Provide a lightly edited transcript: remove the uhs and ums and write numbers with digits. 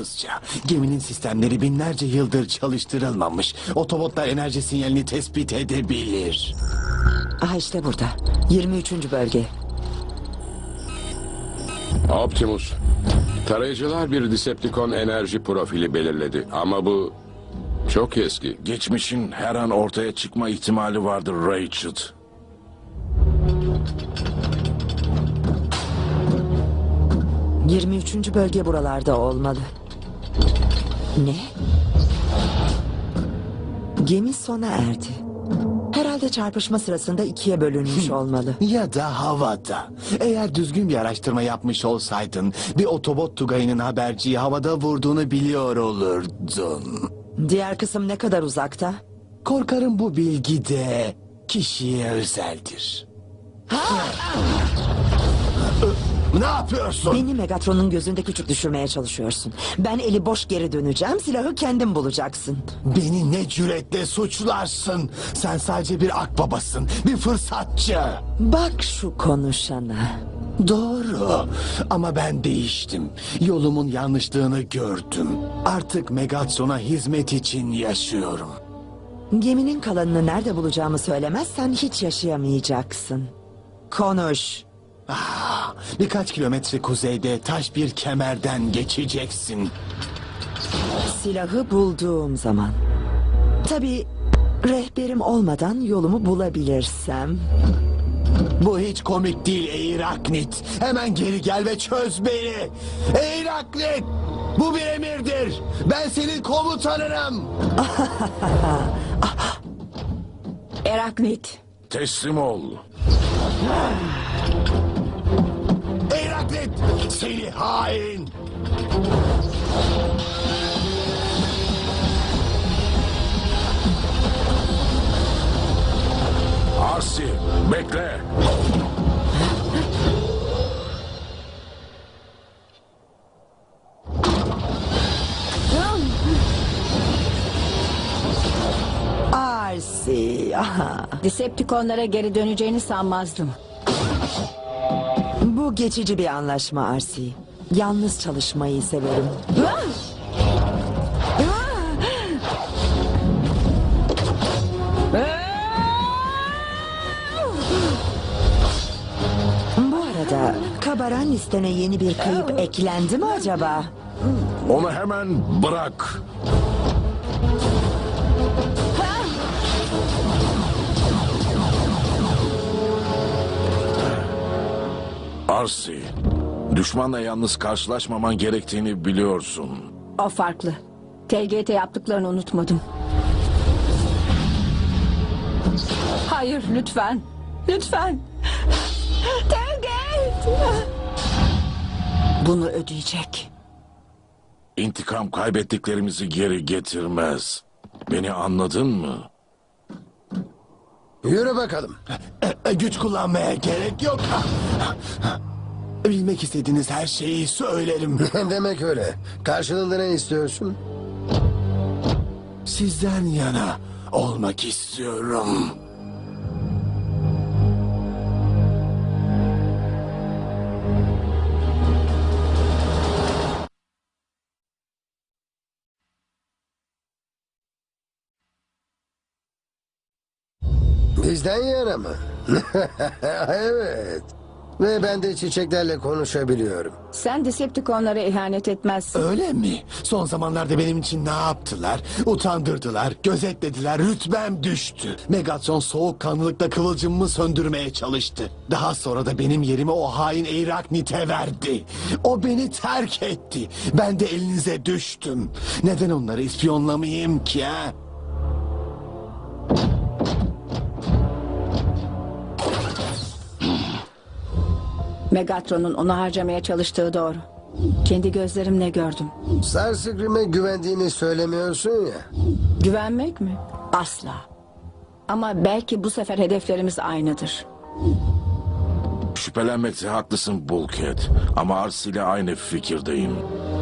yalnızca. Geminin sistemleri binlerce yıldır çalıştırılmamış. Otobotlar enerji sinyalini tespit edebilir. Aha işte burada. 23. bölge. Optimus. Tarayıcılar bir Decepticon enerji profili belirledi ama bu çok eski. Geçmişin her an ortaya çıkma ihtimali vardır Rachel. — 23. bölge buralarda olmalı. Ne? Gemi sona erdi. Herhalde çarpışma sırasında ikiye bölünmüş olmalı. Ya da havada. Eğer düzgün bir araştırma yapmış olsaydın... ...bir otobot tugayının haberciyi havada vurduğunu biliyor olurdun. Diğer kısım ne kadar uzakta? Korkarım bu bilgi de kişiye özeldir. Ne yapıyorsun? Beni Megatron'un gözünde küçük düşürmeye çalışıyorsun. Ben eli boş geri döneceğim, silahı kendin bulacaksın. Beni ne cüretle suçlarsın? Sen sadece bir akbabasın, bir fırsatçı. Bak şu konuşana. Doğru ama ben değiştim. Yolumun yanlışlığını gördüm. Artık Megatron'a hizmet için yaşıyorum. Geminin kalanını nerede bulacağımı söylemezsen hiç yaşayamayacaksın. Konuş. Birkaç kilometre kuzeyde taş bir kemerden geçeceksin. Silahı bulduğum zaman. Tabii rehberim olmadan yolumu bulabilirsem. Bu hiç komik değil Eyraknit. Hemen geri gel ve çöz beni. Eyraknit! Bu bir emirdir. Ben senin komutanınım. Eraknit. Teslim ol. Eyraknit! Seni hain! Arsi, bekle. Arsi. Aha. Decepticonlara geri döneceğini sanmazdım. Bu geçici bir anlaşma Arsi. Yalnız çalışmayı severim. Bu arada kabaran listene yeni bir kayıp eklendi mi acaba? Onu hemen bırak. Arsi, düşmanla yalnız karşılaşmaman gerektiğini biliyorsun. O farklı. TGT yaptıklarını unutmadım. Hayır lütfen. Lütfen. TGT. Bunu ödeyecek. İntikam kaybettiklerimizi geri getirmez. Beni anladın mı? Yürü bakalım. Güç kullanmaya gerek yok. Bilmek istediğiniz her şeyi söylerim. Demek öyle. Karşılığında ne istiyorsun? Sizden yana olmak istiyorum. Bizden yana mı? Evet. Ve ben de çiçeklerle konuşabiliyorum. Sen Decepticonlara ihanet etmezsin. Öyle mi? Son zamanlarda benim için ne yaptılar? Utandırdılar, gözetlediler, rütbem düştü. Megatron soğukkanlılıkla kıvılcımımı söndürmeye çalıştı. Daha sonra da benim yerimi o hain Eyraknit'e verdi. O beni terk etti. Ben de elinize düştüm. Neden onları ispiyonlamayayım ki ha? Megatron'un onu harcamaya çalıştığı doğru. Kendi gözlerimle gördüm. Starscream'e güvendiğini söylemiyorsun ya. Güvenmek mi? Asla. Ama belki bu sefer hedeflerimiz aynıdır. Şüphelenmekte haklısın Bulkhead. Ama Arsi ile aynı fikirdeyim.